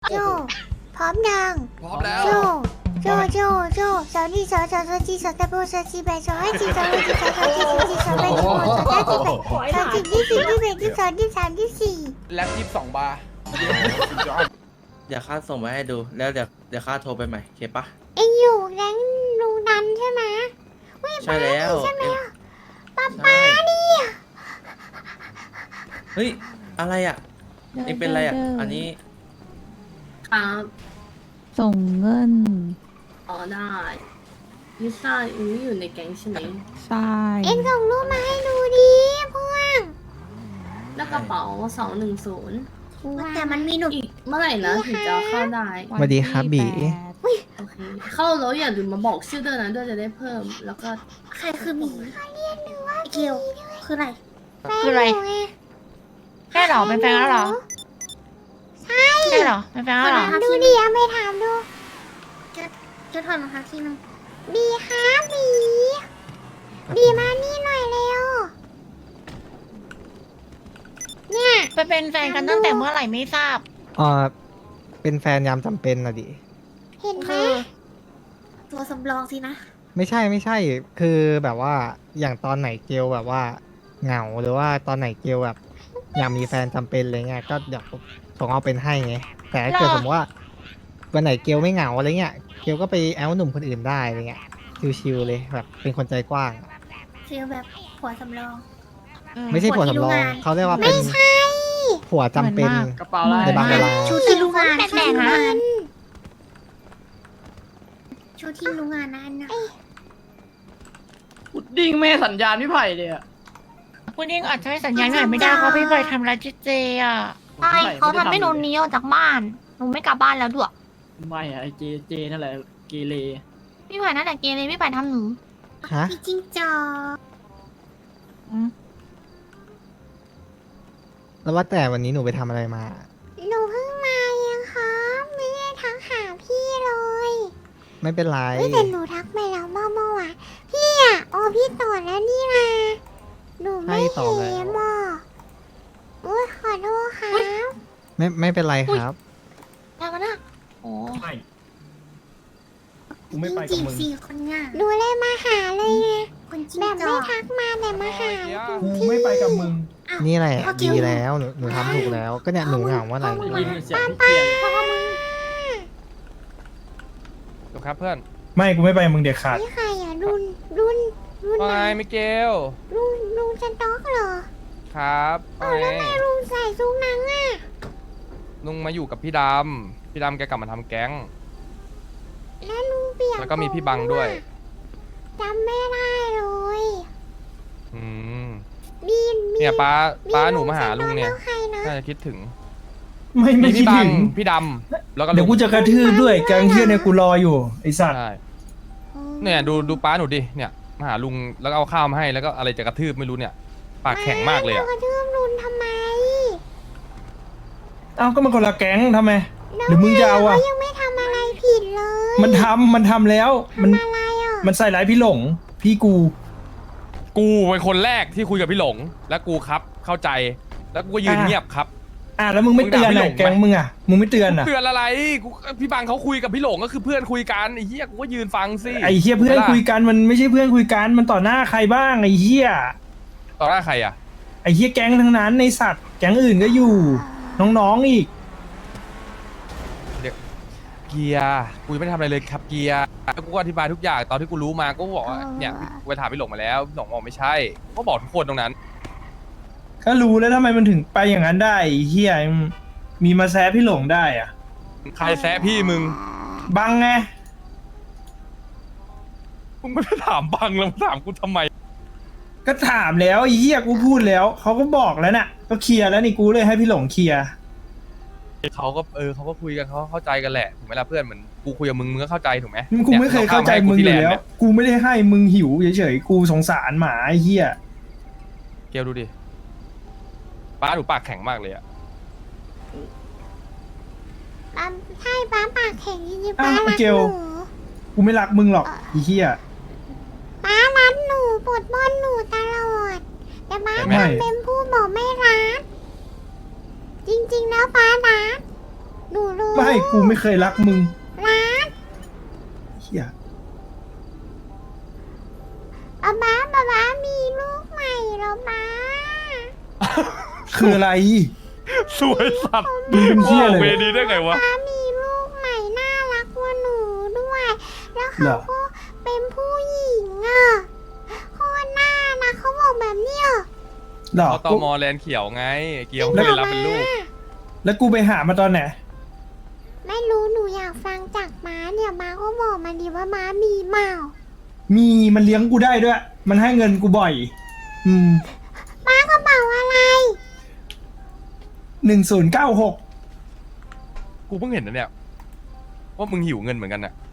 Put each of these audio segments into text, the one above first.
โจพร้อมยังพร้อมแล้วโจสาวนี่สาวจีสาวตะโบสาวจีแบสาวให้จีสาวให้จีสาวจีสาวแบสาวสาวจีแบสาวจีที่สี่ที่แบที่สองที่สามที่สี่แล็บ22 บาร์เดี๋ยวข้าส่งมาให้ดูแล้วเดี๋ยวข้าโทรไปใหม่โอเคปะเอ็งอยู่แรงลุงดันใช่ไหมใช่แล้วใช่ไหมป๊าป้านี่เฮ้ยอะไรอ่ะเอ็งเป็นอะไรอ่ะอันนี้ครับส่งเงินอ๋อได้ลิซ่ายังไม่อยู่ในแก๊งใช่ไหมใช่เอ็งส่งรูปมาให้ดูดิเพื่อนแล้วกระเป๋า210 แต่มันมีหนุ่มอีกเมื่อไหร่นะถึงจะเข้าได้สวัสดีครับบีโอเค เข้าแล้วอย่าลืมมาบอกชื่อด้วยนะด้วยจะได้เพิ่ม แล้วก็ใครคือหมีเขาเรียกหนูว่าเกลคืออะไรคืออะไรแฟนหนูงใช่เหรอเป็นแฟนแล้วเหรอใช่ใช่เหรอเป็นแฟนแล้วเหรอถามดูดิเอาไปถามดูจะถอดรองเท้าทีนึงบีครับบีมานี่หน่อยเร็วเนี่ยไปเป็นแฟนกันตั้งแต่เมื่อไหร่ไม่ทราบเป็นแฟนยามจำเป็นนะดิเห็นไหมคือตัวสำรองสินะไม่ใช่คือแบบว่าอย่างตอนไหนเกลแบบว่าเหงาหรือว่าตอนไหนเกลแบบอยากมีแฟนจำเป็นอะไรเงี้ยก็เดี๋ยวส่งเอาเป็นให้ไงแต่ถ้าเกิดสมมติว่าวันไหนเกลไม่เหงาอะไรเงี้ยเกลก็ไปแอลหนุ่มคนอื่นได้อะไรเงี้ยชิวๆเลยแบบเป็นคนใจกว้างฟีลแบบผัวสำรองไม่ใช่ผัวสำรองเขาเรียกว่าเป็นผัวจำเป็นเหมือนมากกระเป๋าอะไรในบางเวลาชูที่รู้งานแปลกๆนะชูที่รู้งานนะอันนะพุดดิ้งแม่สัญญาณพี่ไผ่เลยอะคุณยิ่งอาจจะให้สัญญาณหน่อยไม่ได้เพราะพี่บอยทำร้ายเจอ่ะใช่เขาทำให้หนูหนีออกจากบ้านหนูไม่กลับบ้านแล้วด้วยไม่อะไอเจนั่นแหละเกเรพี่บอยนั่นแหละเกเรพี่บอยทำหนูฮะพี่จิ้งจอกแล้วว่าแต่วันนี้หนูไปทำอะไรมาหนูเพิ่งมาเองครับไม่ได้ทักหาพี่เลยไม่เป็นไรเฮ้ยแต่หนูทักไปแล้วเมื่อวานพี่อ่ะโอ้พี่ต่อแล้วนี่นะหนูไม่ให้ต่อเห็แล้วนอ่ะโอ้ยขอโทษครับไม่เป็นไรครับได้มานะโอ้กูไม่ไปกับมึงสี่คนอ่ะหนูเลยมาหาเลยไงแบบไม่ทักมาแต่มาหากูไม่ไปกับมึงนี่แหละดีแล้วหนูทำถูกแล้วก็เนี่ยหนูเหงาว่าอะไรยินเสียงทุกเกียร์จบครับเพื่อนไม่กูไม่ไปกับมึงเด็ดขาดนี่ใครอ่ะรุ่นว่าไหนไงมิเกลลุงจะต๊อกเหรอครับว่าไงลุงใส่ซุกนังอ่ะลุงมาอยู่กับพี่ดำพี่ดำแกกลับมาทำแก๊งแล้วลุงเปลี่ยนแล้วก็มีพี่บังด้วยจำไม่ได้เลยอืมมีเนี่ยป้าหนูมาหาลุงเนี่ยแล้วใครนะน่าจะคิดถึงไม่มีคิดพี่บัถึงงพี่ดำแล้วก็เดี๋ยวกูจะกระทืบด้วยแกงเฮียเนี่ยกูรออยู่ไอสัตว์ใช่เนี่ยดูป้าหนูดิเนี่ยมาหาลุงแล้วก็เอาข้าวมาให้แล้วก็อะไรจะกระทืบไม่รู้เนี่ยปากแข็งมากเลยอะกระทืบลุงทำไมเอ้าก็มันคนละแก๊งทำไม หรือมึงจะเอาอ่ะเขายังไม่ทำอะไรผิดเลยมันทำแล้วมันทำอะไรอ่ะมันใส่ร้ายพี่หลง พี่กูกูเป็นคนแรกที่คุยกับพี่หลง แล้วกูครับเข้าใจแล้วกูก็ยืนเงียบครับแล้วมึงไม่เตือนมึงด่าพี่หลอ่ะงไหมแก๊งมึงอ่ะมึงไม่เตือนอ่ะเตือนอะไรกูพี่บังเขาคุยกับพี่หลงก็คือเพื่อนคุยกันไอ้เหี้ยกูก็ยืนฟังสิไอเฮียเพื่อนคุยกันมันไม่ใช่เพื่อนคุยกันมันต่อหน้าใครบ้างไอเฮียต่อหน้าใครอ่ะไอเฮียแก๊งทั้งนั้นในสัตว์แก๊งอื่นก็อยู่ น้องๆอีกเกียร์กูยังไม่ได้ทำอะไรเลยครับเกียร์แล้วกูก็อธิบายทุกอย่างตอนที่กูรู้มาก็บอกว่าเนี่ยกูไปถามพี่หลงมาแล้วพี่หลงบอกไม่ใช่ก็บอกทุกคนตรงนั้นก็รู้แล้วทำไมมันถึงไปอย่างนั้นได้ไอ้เฮียมีมาแซะพี่หลงได้อ่ะใครแซะพี่มึงบังไงมึงไม่ได้ถามบังแล้วมึงถามกูทำไมก็ถามแล้วไอ้เฮียกูพูดแล้วเขาก็บอกแล้วน่ะ ก็เคลียร์แล้วนี่กูเลยให้พี่หลงเคลียร์เขาก็เขาก็คุยกันเขาเข้าใจกันแหละถูกไหมล่ะเพื่อนเหมือนกูคุยกับมึงมึงก็เข้าใจถูกไหมกูไม่เคยเข้าใจมึงอยู่แล้ว กูไม่ได้ให้มึงหิวเฉยๆกูสงสารหมาไอ้เฮียเกียวดูดิป้าหนูปากแข็งมากเลยอะปั๊มใช่ป้าปากแข็งจริงๆอ้าป้าว รักเกหลนูกูไม่รักมึงหรอกไอ้เฮียป้ารักหนูปวดบ้อนหนูตลอด แต่ป้าไม่ทำเป็นผู้บอกไม่รัก จริงๆแล้วป้ารักหนูรู้ไม่กูไม่เคยรักมึงรักเฮียป๊ามีลูกใหม่แล้วป๊าคืออะไรสวยสัตว์มึงเป็นเฮียว่าเลยเวดีได้ไงวะป๊ามีลูกใหม่น่ารักกว่าหนูด้วย แล้วเหรเขาอก็เป็นผู้หญิงอ่ะโคตรน่ารักเขาบอกแบบเนี้ยหรอเอาตอมอแลนเขียวไง เกียวไม่ได้รับเป็นลูกแล้วกูไปหามาตอนไหนไม่รู้หนูอยากฟังจากม้าเนี่ยม้าก็บอกมาดีว่าม้ามีเมามีมันเลี้ยงกูได้ด้วย มันให้เงินกูบ่อยม้ากระเป๋าอะไร 1096 กูเพิ่งเห็นนะเนี่ยว่ามึงหิวเงินเหมือนกันน่ะ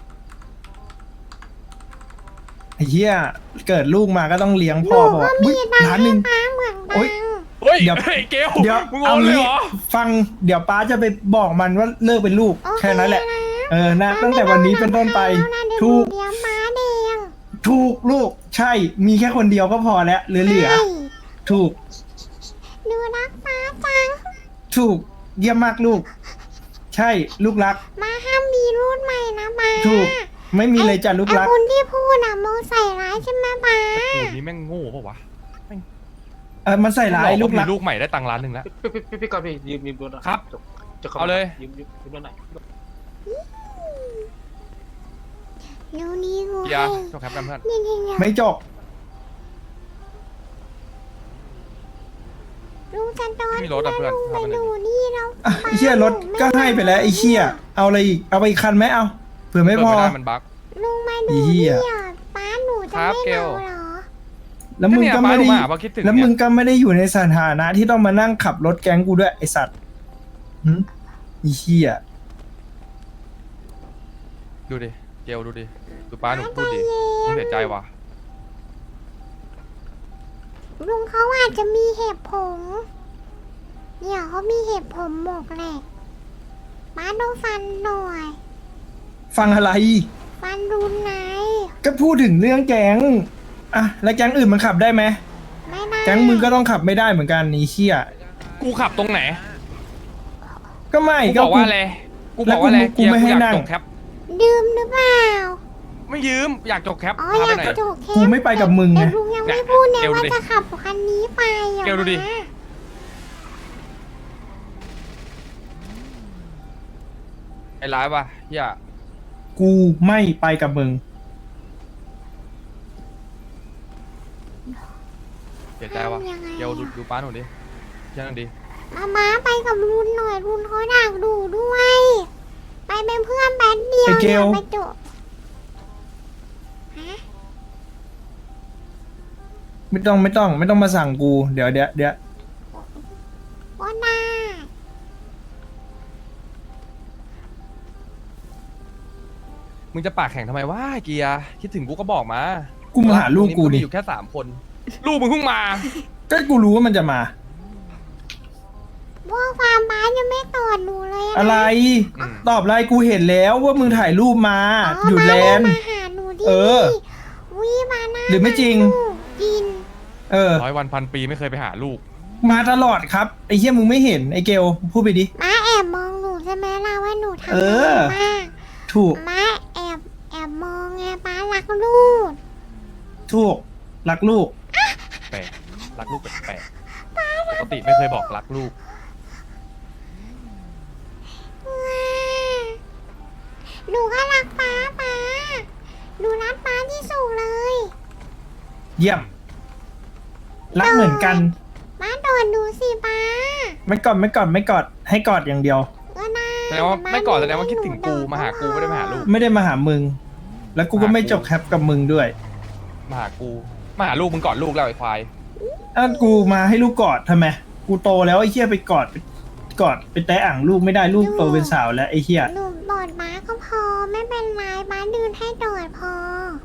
ไอ้เหี้ยเกิดลูกมาก็ต้องเลี้ยงหพ่อนูบอกก็ว่ามีอุ๊ยตังล้านค์หนึ่งให้ม้าเหมือนโอ๊กัยนเฮ้ยเดี๋ยวเฮ้ยเกลเดี๋ยวมึงเอาโอนเลยงี้เหรอฟังเดี๋ยวป้าจะไปบอกมันว่าเลิกเป็นลูกโอเคแค่นั้นแหละนะเออนะตั้งแต่วันนี้เป็นต้นไปถูถูกกเลี้ยงม้าแดงถูกลูกใช่มีแค่คนเดียวก็พอแล้วเหลือใช่ถูกหนูรักม้าจังถูกเยี่ยมมากลูก ใช่ลูกรักม้าห้ามมีรุ่นใหม่นะม้าถูก ไม่มีเลยจ้ะลูกรักไอ้คนที่พูดน่ะโมใส่ร้ายใช่ไหมม้ากูนี่แม่งโง่ปะวะมันใส่ร้ายลูกมีรักลูกใหม่ได้ตังค์ล้านหนึ่งแล้วพี่ก่อนพี่ยืมรถหน่อยครับจะเอาเลยยืมรถหน่อยเดี๋ยวนี้กูเกียให้ร์จบครับกันเพื่อนนี่ไม่จบลุงจะโดนมีรถอะเพื่อนลุงไปทำอะไรดูนี่แล้วอ่ะไอ้เชี่ยรถก็ให้ไปแล้วไอ้เชี่ยเอาอะไรอีกเอาไปอีกคันไหมเอาเผื่อไม่พอเปิดไม่ได้มันบั๊กลุงมาดูอีเหี้นี่ยอ่ะป้าหนูจะครับไม่เกลเมาเหรอแล้วมึงก็ไม่ได้เนี่ยป้าลงมาเพราะคิดถึงแล้วมึงเนี่ยก็ไม่ได้อยู่ในสถานะที่ต้องมานั่งขับรถแก๊งกูด้วยไอสัตว์หึอีเหี้ยดูดิ เกลดูดิ ดูป้าหนูพูดดิมึงเสียใจว่ะลุงเขาอาจจะมีเห็บผมเนี่ยเขามีเห็บผมหมกแหละป้าต้องฟันหน่อยฟังอะไรฟันรุนไหนก็พูดถึงเรื่องแก๊งอ่ะแล้วแก๊งอื่นมันขับได้ไหมไม่ได้แก๊งมึงก็ต้องขับไม่ได้เหมือนกันไอีเชี่ยกูขับตรงไหนก็ไม่กูบอกว่าอะไร กูบอกว่าอะไรแล้วกูเกียร์ไม่กูให้อยากนั่งจบแคปดื่มหรือเปล่าไม่ยืม อยากจบแคปอ๋อพาอไปยากไหนกระโดดแค่กูไม่ไปกับมึงไงแต่ลุงยังไม่พูดเนี่ยเกลดูว่าดิจะขับคันนี้ไปอ่ะเกลดูดินะไอ้ร้ายว่ะเฮียกูไม่ไปกับมึงเสียใจว่ะ เกลดูป้าหนูดิเชื่อหน่อยดิมาไปกับรุนหน่อยรุนเขาอยากดูด้วย ไปเป็นเพื่อนแป๊บเดียวไอ้เกลไปจบฮะไม่ต้องมาสั่งกูเดี๋ยวว่าน่ามึงจะปากแข็งทำไมวะเกียร์คิดถึงกูก็บอกมากูมาหาลูกกูมีดิอยู่แค่3 คน ลูกมึงเพิ่งมาก็กูรู้ว่ามันจะมาพวกฟาร์มบ้านยังไม่ตอดหนูเลยนอะไรอืมตอบอะไรกูเห็นแล้วว่ามึงถ่ายรูปมาอ๋ออยู่แลนด์มาหาหนูดิเออวิมาหน้าหรือไม่จริงกินเออ 100 วันพันปีไม่เคยไปหาลูกมาตลอดครับไอ้เหี้ยมึงไม่เห็นไอ้เกลพูดไปดิมาแอบมองหนูใช่ไหมล่ะว่าหนูทำเออะไรอบ้างถูกมาแอบมองไงป้ารักลูกถูกรักลูกแปลกรักลูกแปลกๆปกติไม่เคยบอกรักลูกหนูก็รักป้าหนูรักป้าที่สุดเลยเยี่ยม รักเหมือนกันป้าโดนดูสิป้าไม่กอดให้กอดอย่างเดียวก็น่าแสดงว่าไม่ก่อนแสดงว่าคิดถึงกูมาหากูไม่ได้มาหาลูกไม่ได้มาหามึง แล้วกูก็ไม่จบแคปกับมึงด้วยมาหากูมาหาลูกมึงก่อนลูกแล้วไอ้ควายกูมาให้ลูกกอดทำไมกูโตแล้วไอ้เหี้ยไปกอดไปแตะอ่างลูกไม่ได้ลูกโตเป็นสาวแล้วไอ้เหี้ยหนูบอดป้าก็พอไม่เป็นไรป้าเดินให้โดดพอ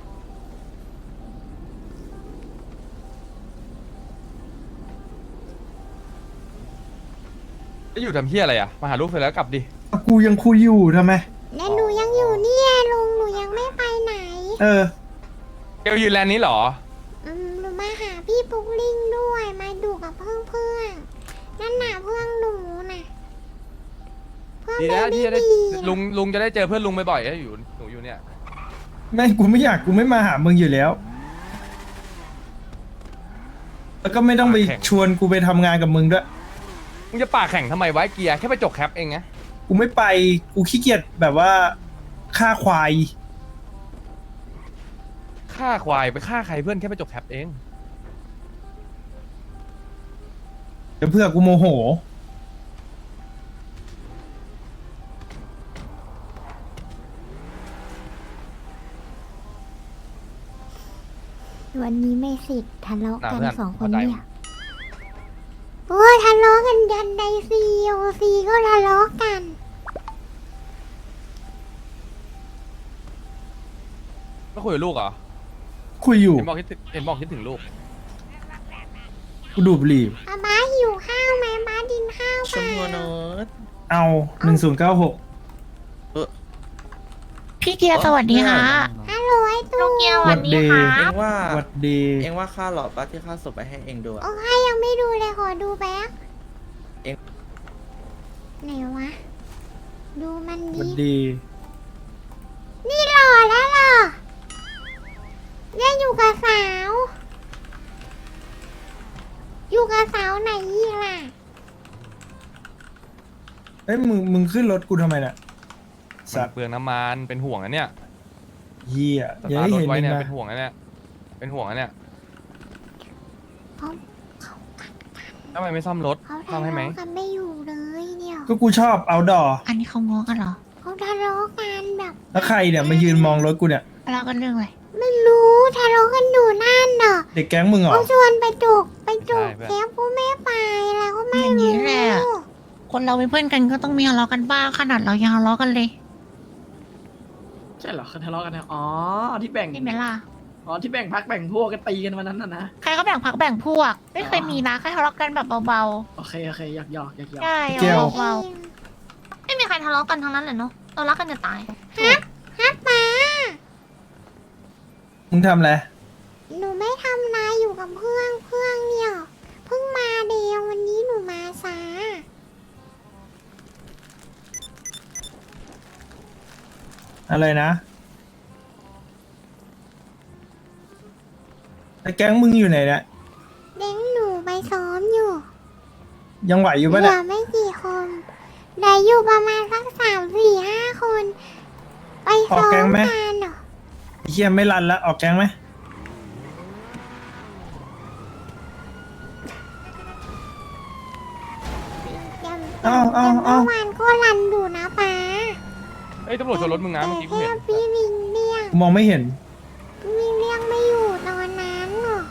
จะอยู่ทำเฮียอะไรอ่ะ มาหาลูกเสร็จแล้วกลับดิกูยังคุยอยู่ทำไมและหนูยังอยู่เนี่ยลุงหนูยังไม่ไปไหนเออเกลยืนแลนด์นี้เหรอหนูมาหาพี่ปุ๊กลิงด้วยมาดูกับเพื่อนนั่นน่ะเพื่อนหนูน่ะเพื่อนดีนะที่จะได้ลุงจะได้เจอเพื่อนลุงบ่อยๆอยู่หนูอยู่เนี่ยไม่กูไม่อยากกูไม่มาหามึงอยู่แล้ว แล้วก็ไม่ต้องไปชวนกูไปทำงานกับมึงด้วยมึงจะปากแข่งทำไมไว้เกียร์แค่ไปจกแคปเองไงกูไม่ไปกูขี้เกียจแบบว่าฆ่าควายฆ่าควายไปฆ่าใครเพื่อนแค่ไปจกแคปเองเดี๋ยวเพื่อกูโมโหวันนี้ไม่สิทธิ์ทะเลาะกันน่ะเพื่อนสองคนเข้าใจเนี่ยโอ้ยทะเลาะกันยันในCOCก็ทะเลาะกันก็คุยกับลูกเหรอคุยอยู่เห็นบอกคิดถึงลูกกูดูดบุหรี่ม้าหิวข้าวไหมม้าดินข้าวชมพูโน้ตเอา1096 พี่เกียร์สวัสดีค่ะฮัลโหลไอ้ตู้ลูกเกียร์สวัสดีค่ะเองว่าหวัดดีเองว่าค่าหลอดปะที่ค่าส่งไปให้เองดูอะโอ้ยยังไม่ดูเลยขอดูแป๊บเอ็งไหนวะ ดูมันหวัดดีดีนี่หล่อแล้วเหรอเนี่ยอยู่กับสาว อยู่กับสาวไหนอีกล่ะเอ้ยมึงขึ้นรถกูทำไมเนี่ยมัสัตนว์เปลืองน้ำมันเป็นห่วงนะเนี่ยเหี้ยสอย่าตาร์ให้ทรถเห็นไว้มึงเนี่ยนะเป็นห่วงนะเนี่ยเป็นห่วงนะเนี่ยเขาทำไมไม่ซ่อมรถเขาซ่อทะมให้ไหมเลาะกันไม่อยู่เลยเนี่ยก็กูชอบเอาดออันนี้เขาง้อกันเหรอเขาทะเลาะกันแบบแล้วใครเนี่ยมายืนมองรถกูเนี่ยทะเลาะกันเรื่องอะไรไม่รู้ทะเลาะกันอยู่นั่นน่ะเด็กแก๊งมึงเหรอเขาชวนไปจุกใช่เพื่อนแคปกูไม่ไปแล้วก็ไม่อย่างนี้รู้แหละ คนเราเป็นเพื่อนกันก็ต้องมีทะเลาะกันบ้างขนาดเรายังทะเลาะกันเลยใช่เหรอเขาทะเลาะกันเนี่ยอ๋อที่แบ่งใช่ไหมล่ะอ๋อที่แบ่งพักแบ่งพวกกันตีกันวันนั้นน่ะนะใครก็แบ่งพักแบ่งพวก ไม่เคยมีนะแค่ทะเลาะกันแบบเบาโอเคหยอกๆใช่เจียวเบาๆไม่มีใครทะเลาะกันทั้งนั้นเลยเนาะเรารักกันจะตายฮับป้ามึงทำอะไรหนูไม่ทำนะอยู่กับเพื่อนเนี่ยเพิ่งมาเดียววันนี้หนูมาช้าอะไรนะแล้วแก๊งมึงอยู่ไหนเนี่ยเด็กหนูไปซ้อมอยู่ยังไหวอยู่เหปะลืเนี่ยอไม่กี่คนเหลืออยู่ประมาณสัก3-4-5 คน ไปซ้อมกันเหรอไอ้เหี้ยไม่รันแล้วออกแก๊งไหมแต่เมื่อวานก็รันอยู่นะป้าเอ้ยตำรวจชนรถมึงนะเมื่อกี้กูแต่เห็นแค่พี่วิงเรียกกูมองไม่เห็นวิ่งเรียกไม่อยู่ตอนนั้นหรอก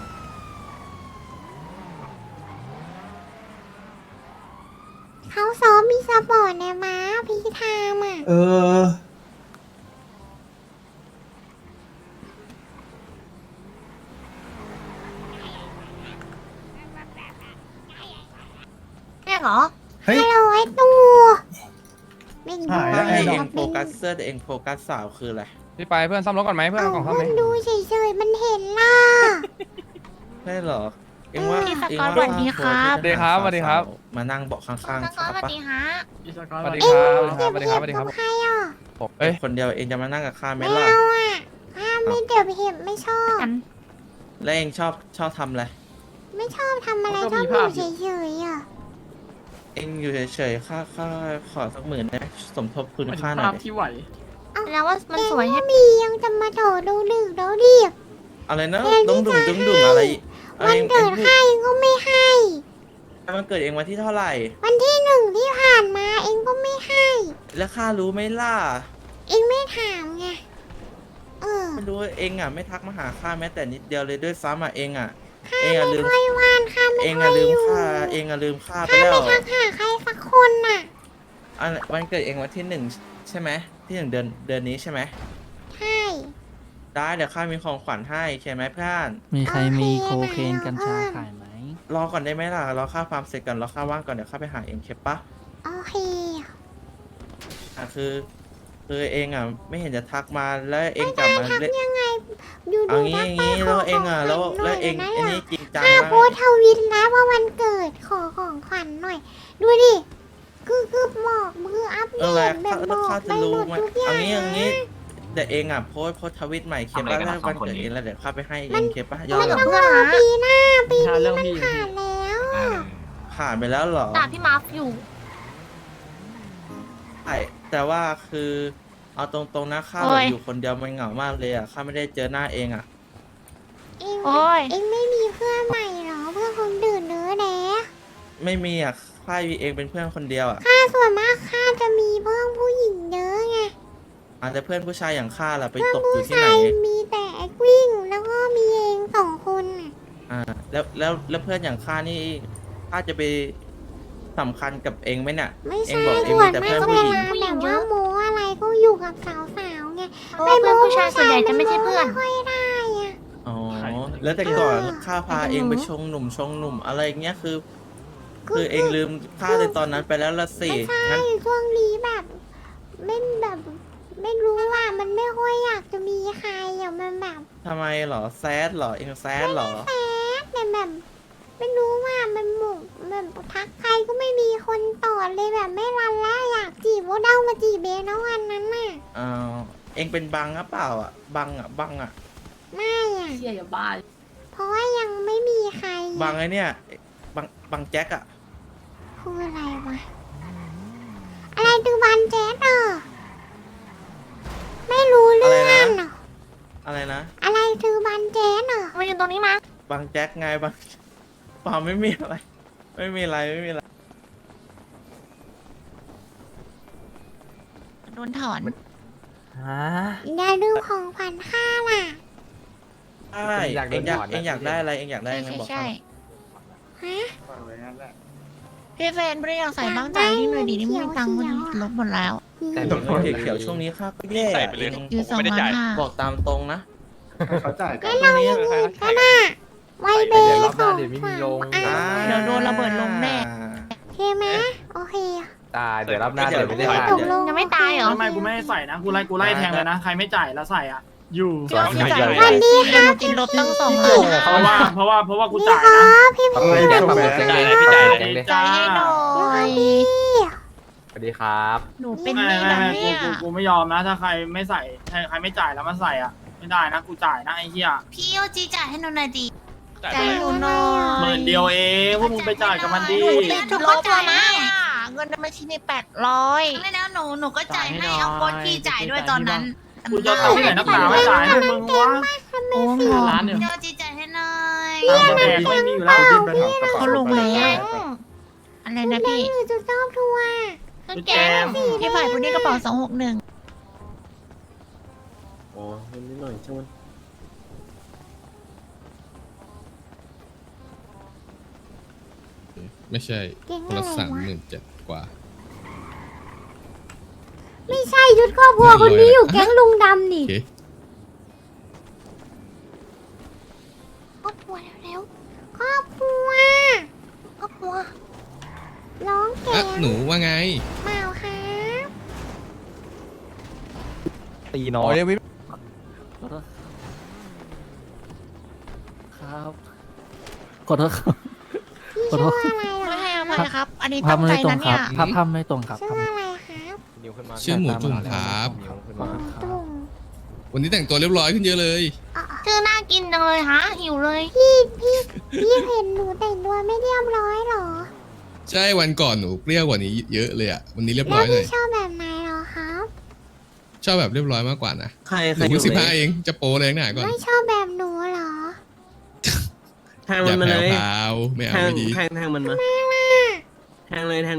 เขาซ้อมมีสปอร์ตในม้าพี่ทามอ่ะเออแม่เหรอเฮ้ยฮัลโหลไอ้ตูไม่ดูหายแล้วให้ไดเออกงโฟกัสเสื้อแต่เองโฟกัสสาวคืออะไรพี่ไปเพื่อนซ่อมรถก่อนไหมเพื่อนเอาเอากล่องซ่อมคไหมนดูเฉยๆมันเห็นล่ะได้เหรอ เองว่าพี่สเองกอตว่าสวัสดีครับสวัสดีครับสวัสดีครับมานั่งเบาะข้างสๆกอตสวัสปะดีฮะพี่สกอตสวัสดีเอ็คงรับเก็บสวัสดีเห็ครับบสวัสดีครับกับใครอ่ะเอ้ยคนเดียวเองจะมานั่งกับข้าไหมไม่ล่ะเอาอ่ะข้าไม่เก็บเห็บไม่ชอบกันแล้วเองชอบทำอะไรไม่ชอบทำอะไรชอบอยู่เฉยๆอ่ะเองอยู่เฉยๆค่าขอสัก10,000ได้สมทบคุณเป็นค่าหน่ภาอพยดิที่ไหวแล้วว่ามันสวยเอ็งใช่ก็มียังจะมาโถดูดึกดูดิบอะไรนะเองที่ดุ้งจะดุ้งอะไรวันเองเกิดพูข้าเองก็ไม่ให้มันเกิดเองวันที่เท่าไหร่วันที่1ที่ผ่านมาเองก็ไม่ให้แล้วข้ารู้ไหมล่ะเองไม่ถามไงไม่รู้เองอ่ะไม่ทักมาหาข้าแม้แต่นิดเดียวเลยด้วยซ้ำอ่ะเองอ่ะข้าเองไม่อ่ะลืมค่อยว่านข้าไม่เองค่ออ่ะยลือมยู่ข้าเองอ่ะลืมข้าไปข้าแล้ไม่วทักหาใครสักคนน่ะอันวันเกิดเองวันที่1ใช่ไหมที่1เดือนนี้ใช่ไหมใช่ได้เดี๋ยวข้ามีของขวัญให้ใช่ไหมเพื่อนมีใครมีโอโคเคเคนกัญชาเพิ่มขายไหมรอก่อนได้ไหมล่ะรอข้าฟาร์มเสร็จก่อนรอข้าว่างก่อนเดี๋ยวข้าไปหาเองเคปะโอเคคือเองอ่ะไม่เห็นจะทักมาแล้วเองกลับมาทักเล่นยังไงดูเอาดูงี้ทักอย่างไปงี้ขแล้วเองอ่ะขแล้วขญหน่ยเองนะไอ้นี่จริงจังข้ามากโพสต์ทวิตนะว่าวันเกิดขอของขวัญหน่อย ดูดิคือบอกมืออัปเดอะไรตแบบบแล้วอกข้าไปจะหมรู้ดไหมทุกอย่างอย่างนี้นะแต่เองอ่ะโพสต์ทวิตใหม่เคปว่าถ้าวันเกิดเองแล้วเดี๋ยวข้าไปให้เองเคปะยอไม่ดกับเหรอเพื่อนนะปีหน้าปีถ้านี้เรื่องมันพี่ผ่านแล้วผ่านไปแล้วเหรอด่าพี่มาร์ฟอยู่ใช่แต่ว่าคือเอาตรงๆนะข้าโอ้แบบยอยู่คนเดียวมันเหงามากเลยอ่ะข้าไม่ได้เจอหน้าเองอ่ะเองโอ้ยเองไม่มีเพื่อนใหม่เหรอเพื่อนคนดื่นเนื้อแดะไม่มีอ่ะข้ามีเองเป็นเพื่อนคนเดียวอ่ะข้าส่วนมากข้าจะมีเพื่อนผู้หญิงเยอะไงอาจจะเพื่อนผู้ชายอย่างข้าล่ะไปเพื่อนตกอผู้ยู่ที่ไหนชายมีแต่แอควิ่งแล้วก็มีเอง2 คนน่ะแล้วเพื่อนอย่างข้านี่ข้าจะไปสำคัญกับเองไหมเนี่ยไม่เอใช่งบอกเองส่วมีนแต่มาเพื่กอนเวผู้หญิงลาแบบว่าโมอะไรก็อยู่กับสาวๆไงเพราะว่าเพื่อนผู้ชายส่วนใหญ่จะไม่ใช่เพื่อนไม่ค่อยได้อะอ๋อแล้วแต่ก่อนข้าพาเองไปชงหนุ่มอะไรอย่างเงี้ยคือเองลืมข้าในตอนนั้นไปแล้วละสิไม่ใช่งั้นช่วงนี้แบบไม่รู้ว่ามันไม่ค่อยอยากจะมีใครอ่ะมันแบบทำไมเหรอแซดเหรอเองแซดเหรอแป๊ดแต่แบบไม่รู้ว่ามันหมุกแบบทักใครก็ไม่มีคนตอบเลยแบบไม่รันแล้วอยากจีบว่าเด้ามาจีบเบนะวันนั้นน่ะเองเป็นบังหรือเปล่าอ่ะบังอ่ะไม่อ่ะเชี่ยอย่าบ้าเพราะว่ายังไม่มีใครบังไอเนี่ยบังแจ็คอ่ะคืออะไรวะอะไรตือบันแจ๊ดเหรอไม่รู้เรื่องเหรออะไรนะอะไรตือบันแจ๊ดเหรอมายืนตรงนี้มาบังแจ็คไงบังเปล่าไม่มีอะไร ไม่มีอะไรโดนถอนอย่าลืมของขวัญข้าล่ะใช่เองอยากได้อะไรเองอยากได้ใช่อะไรใช่บอกใช่ฮะพี่แฟนไม่ได้อยากใส่บ้างใจนี่หน่อยดีนี่ไม่มีตังค์วันนี้ลบหมดแล้วแต่รองเขียวช่วงนี้ข้าก็แย่อยู่2,500,000 บอกตามตรงนะเขาจ่ายงั้นเราอย่างนี้ก็ได้ไวเบย์ส่งฝากเดี๋ยวโดนระเบิดลงแน่โอเคไหมโอเคตายเดี๋ยวรับหน้าเดี๋ยวไม่ได้ตกลงยังไม่ตายเหรอไม่กูไม่ให้ใส่นะ กูไล่แทงเลยนะ ใครไม่จ่ายแล้วใส่อ่ะ อยู่เดี๋ยวพี่จ่ายวันดีค่ะหนูกินลบตั้ง2,500,000 เพราะว่ากูนี่จ่ายครันะบพี่พี่แจ็คแบบเซ็งเลยพี่จ่ายเลยจ่ายให้หน่อยสวัสดีครับหนูเป็นหไม่นี้นะเนี่ยกูไม่ยอมนะ ถ้าใครไม่ใส่ใครไม่จ่ายแล้วมาใส่อ่ะ ไม่ได้นะ กูจ่ายนะไอ้เหี้ยพี่โอจีจ่ายให้หนูหน่อยดิจ่ายให้หนูหน่อย 10,000เดียวเองพวกมึงไปจ่ายกับมันดิหนูติดลบแล้วนะเงินในบัญชีมี800ไม่แล้วหนูก็จ่ายให้เอาโค้ดพี่จ่ายด้วยตอนนั้นกูจะตัดที่ไหนนักหนาไม่จ่ายให้มึงวะโอ้โหร้านเนี่ยพี่โอจีจ่ายให้หน่อยตามกระแดกไม่มีอยู่แล้วเขาลงแล้วอะไรนะพี่หนูจะชอบทัวร์ต้นแก้มพี่ฝ่ายคนนี้กระเป๋า261 โอ้นิดหน่อยช่างมันไม่ใช่เก่งคนอะละไร 37,000 กว่าไม่ใช่ยุดครอบครัวคนนี้อยู่แก๊งลุงดำโอนี่เคครอบครัวเร็วๆครอบครัวครอบครัวร้องแก่อ่ะ หนูว่าไงเปล่าครับตีน้อโอ้ยยวิครับขอโทษครับพี่ชื่ออะไรเหรไม่อให้อภัยครับ อันนี้ตั้งใจนะเนี่ยภาพไม่ตรงครับชื่ออะไรครับนิ้วขึ้นมาชื่อหมูจุ่มครับนิ้วขึ้นตุมา่มตุ่มวันนี้แต่งตัวเรียบร้อยขึ้นเยอะเลยชื่อน่ากินจังเลยฮะ หิวเลยพี่เห็นหนูแต่งตัวไม่เรียบร้อยเหรอใช่วันก่อนหนูเปรี้ยวกว่านี้เยอะเลยอ่ะ วันนี้เรียบแล้ร้วอยเลพี่ยชอบแบบไหนเหรอครับชอบแบบเรียบร้อยมากกว่านะใครหนูเพิ่ง15เอง จะโปรแรงหนาก่อนไม่ชอบแบบหนูเหรอแทงอมัย่านมาแผ่เลวย พราวไม่เอาไม่ดีแทงมันมาไม่ล่ะแทงเลย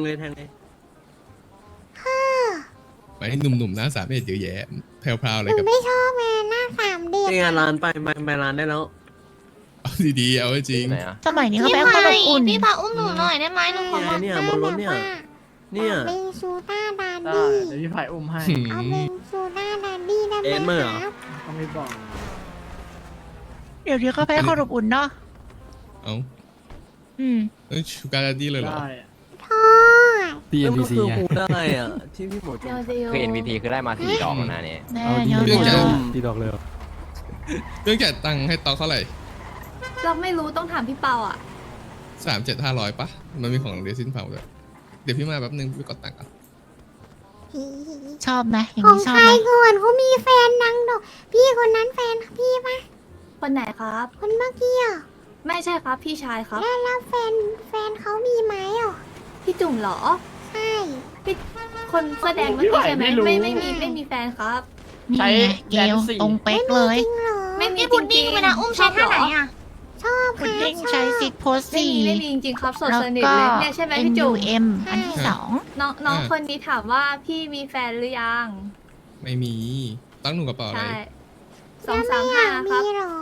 ไปให้หนุ่มๆหน้าสามเอ็ดเยอะแยะแผ่วพราวหเลยนูกับไม่ชอบแม่หน้าสามเด็กไปงานร้านไปร้านได้แล้วเอาดีๆเอาให้จริงไหนอ่ะสมัยนี้เขาแพ้ความอบอุ่นพี่พาอุ้มหนูหน่อยได้ไหมหนูขอเนี่ยบนรถเนี่ย เนี่ยเบงซูต้าดาได้ดี้เดี๋ยวพี่ไผ่อุ้มให้เอาเบงซูต้าดาดี้ได้ไหมเอ็นเมอร์เหรอครับก็ไม่บอกเดี๋ยวนี้เขาแพ้ความอบอุ่นเนาะเอาอืมชูการ์ดดี้เลยเหรอได้ทอด TNPC คือไงพูดได้อ่ะที่พี่หมูจุ่มคือ NVT คือได้มา4 ดอกแล้วนะเนี่ยแน่เอาเยอะเรื่องเยจ่ายอะตีดอกเลยเรื่องจ่ายตังค์ให้ตอกเท่าไหร่เราไม่รู้ต้องถามพี่เปาอ่ะ 37,500ปะมันมีของเรซินเผาด้วยดี๋ยวพี่มาแป๊บนึงพี่กดตังค์ก่อนชอบไหมอย่างของนี้ชใคอบรไหมก่อนเขามีแฟนนังดอกพี่คนนั้นแฟนพี่ปะคนไหนครับคนเมื่อกี้อ่ะไม่ใช่ครับพี่ชายครับแล้วแฟนเขามีไหมอ่ะพี่จุ่มเหรอใช่พี่คนแสดงเมื่อกี้ใช่ไหมไม่มีแฟนครับนี่ใช้ไงเกแดนลสี่ตรงเป๊กเลยจริงเหรอไม่มีพี่จพุดริดิ้งงๆเวลาอุ้มใช้ท่าไหนอ่ะชอบคพุดรัดิ้บงชใช้อบซิกโพสไม่สี่มีไม่มีจริงๆครับสดแล้วสนิทก็เลยเนี่ยใช่ไหมพี่จุ่ม NUM อันที่ใช่สองน้องคนนี้ถามว่าพี่มีแฟนหรือยังไม่มีตั้งหนูกระเป๋าอะไรใช่แล้วไม่อยาก 235 ครัมีบเหรอ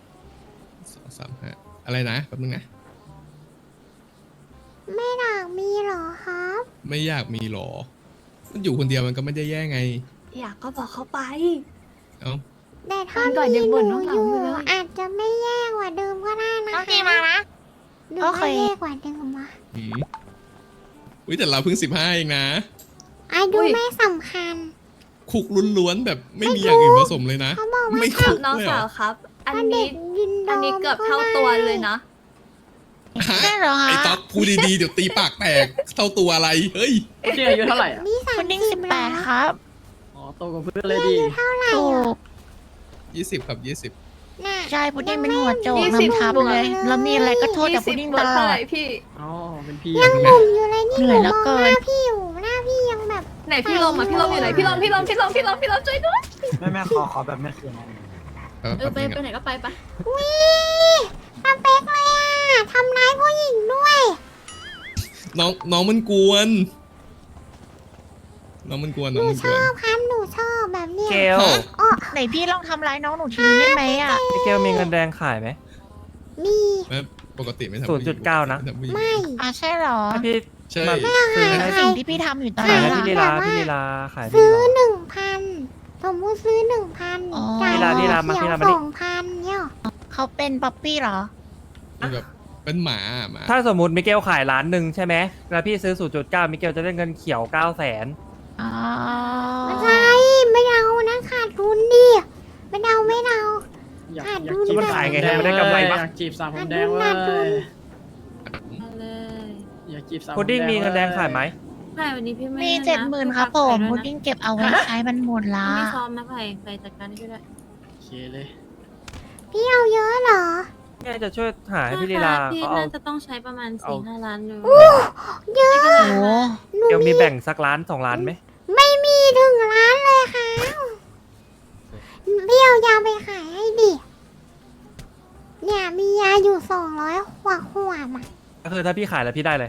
235อะไรนะแป๊บนึงนะไม่อยากมีเหรอครับไม่อยากมีหรอ มันอยู่คนเดียวมันก็ไม่ได้แย่ไงอยากก็บอกเขาไปเอ้าแต่ถ้าวันก่อนมียังหบ่นนูว่าเหองายู่อยู่เลยอาจจะไม่แย่กว่าเดิมก็ได้นะน้องคะจีมานะหรือโอเคว่าแย่กว่าเดิมวะอืมอุ้ยแต่เราเพิ่ง15เองนะอายุไม่สำคัญคุกล้วนๆแบบไม่มีอย่างอื่นผสมเลยนะเขาบอกว่าไม่ครัคุบกน้องเลยเหรสาอวครับ อันถ้าเด็นี้กยินดอันนี้เกือบเท่าตัวเลยนะฮะใช่เหรอไอ้ฮะต๊อกพูดดีๆเดี๋ยวตีปากแตกเท่าตัวอะไรเฮ้ยพุดดิ้งอายุเท่าไหร่อ่ะนี่พุดดิ้ง 30 18 ครับอ๋อโตกว่าเพื่อนเลยดีเท่าไหร่ถูอ่ะก 20ครับ20 น่ะใช่พุดดิ้งเป็นหัวโจก 20 นำทับเลย แล้วมีอะไรก็โทษแต่พุดดิ้ง 20 ตลเท่าอไหดร่พี่อ๋อเป็นพี่ยังหนุ่มอยู่เลยนี่เหหนื่นูอยมเหลืออง เกิหนน้าพี่อยู่หน้าพี่ยังแบบไหนพี่ลมอ่ะพี่ลมอยู่ไหนพี่ลมช่วยด้วยแม่ขอแบบแม่คืนแป๊บนึงไปอะไหนก็ไปวิสเป๊กเลยอ่ะทำร้ายผู้หญิงด้วยน้องมันกวน น้องมันกวนหน้องนูมันชกวนอบครับหนูชอบแบบเนี้ยเกลอ๋อไหนพี่ลองทำร้ายน้องหนูทีนี้ได้ไหมอ่ะเกลมีเงินแดงขายไหมมีแม่ปกติไม่ทำผู้หญิง 0.9นะทำผู้หญิงไม่อ่ะใช่เหรอถ้าพี่ใช่มาซื้อคืให้อสิ่งที่พี่ทำอยู่ตอนขายนี้ให้ล่ะพี่ลีลาพี่ลีลาขายพี่ซื้อลีลา 1,000 สมมติซื้อ 1,000 อ๋อจ่ายพี่ลาเขียวมานี่ 2,000เนี่ยเขาเป็นป๊อปปี้เหรอเป็นแบบเป็นหมาหมาถ้าสมมติมิเกลขาย1,000,000ใช่ไหมแล้วพี่ซื้อ 0.9 มิเกลจะได้เงินเขียว 900,000 อ๋อไม่ใช่ไม่เอานะขาดทุนดิไม่เอาอยากขาดอยากทุนจีบมันขายไงให้มันได้กำไรปะอยากจีบสาวผมแดงเว้ขาดทุนยเลยอยากจีบสาวพุดดิ้งมีเงินแดงขายไหมไม่วันนี้พี่ไม่มีนะ 70,000ครับผมพุดดิ้งเก็บเอาไว้ใช้มันหมดละไม่ซ้อมนะไปจัดการให้ด้วยโอเคเลยพี่เอาเยอะเหรอแค่จะช่วยหาให้พี่ลีลาพี่เขาเอาน่าจะต้องใช้ประมาณเอา 4-5 ล้านอยู่เยอะโอ้โหหนูเกลมีแบ่งสักล้าน2 ล้านไหมไม่มีถึงร้านเลยค่ะพี่เอายาไปขายให้ดิ เนี่ยมียาอยู่200 ขวดอ่ะก็คือถ้าพี่ขายแล้วพี่ได้เลย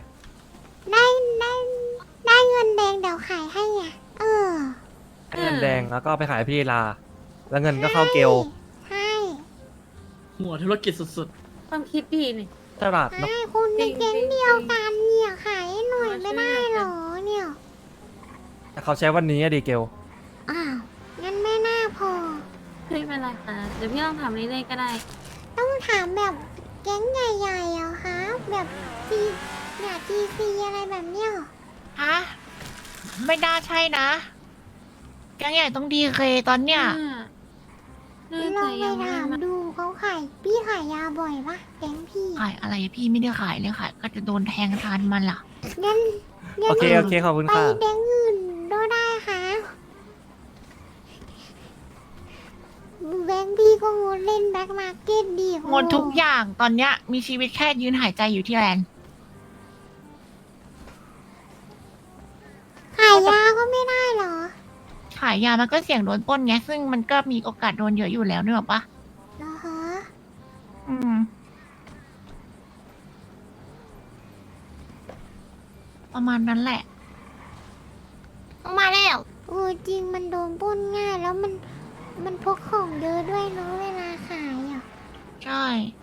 ได้เงินแดงเดี๋ยวขายให้ไงเออเงินแดงแล้วก็เอาไปขายให้พี่ลีลา แล้วเงินก็เข้าเกลใช่หัวธุรกิจสุดความคิดดีนี่ตลาดเนาะใช่คุณในแก๊งเดียวกันเนี่ยขายให้หน่อยไม่ได้เหรอเนี่ยแต่เขาใช้วันนี้อะดีเกลอ้าวงั้นไม่น่าพอไม่เป็นไรค่ะเดี๋ยวพี่ลองถามเรื่อยๆก็ได้ต้องถามแบบแก๊งใหญ่ๆอะคะแบบจีเนี่ยจีซีอะไรแบบเนี้ยฮะ ไม่น่าใช่นะแก๊งใหญ่ต้องดีเคตอนเนี้ยน่าลจะองไปยังไม่ถามมาดูเขาขายพี่ขายยาบ่อยปะแก๊งพี่ขายอะไรพี่ไม่ได้ขายเลยขายก็จะโดนแทงทานมันล่ะงั้นโอเคโอเคขอบคุณไปค่ะแก๊งอื่นก็ได้ค่ะแบงค์พี่ก็งดเล่นแบ็คมาร์เก็ตดีหมดทุกอย่างตอนเนี้ยมีชีวิตแค่ยืนหายใจอยู่ที่แลนด์ขายยาก็ไม่ได้เหรอขายยามันก็เสี่ยงโดนปล้นไงซึ่งมันก็มีโอกาสโดนเยอะอยู่แล้วนึกออกปะเหรอฮะอืม ประมาณนั้นแหละมาแล้วเออจริงมันโดนปล้นง่ายแล้วมันพกของเยอะด้วยเนาะเวลาขายอ่ะใช่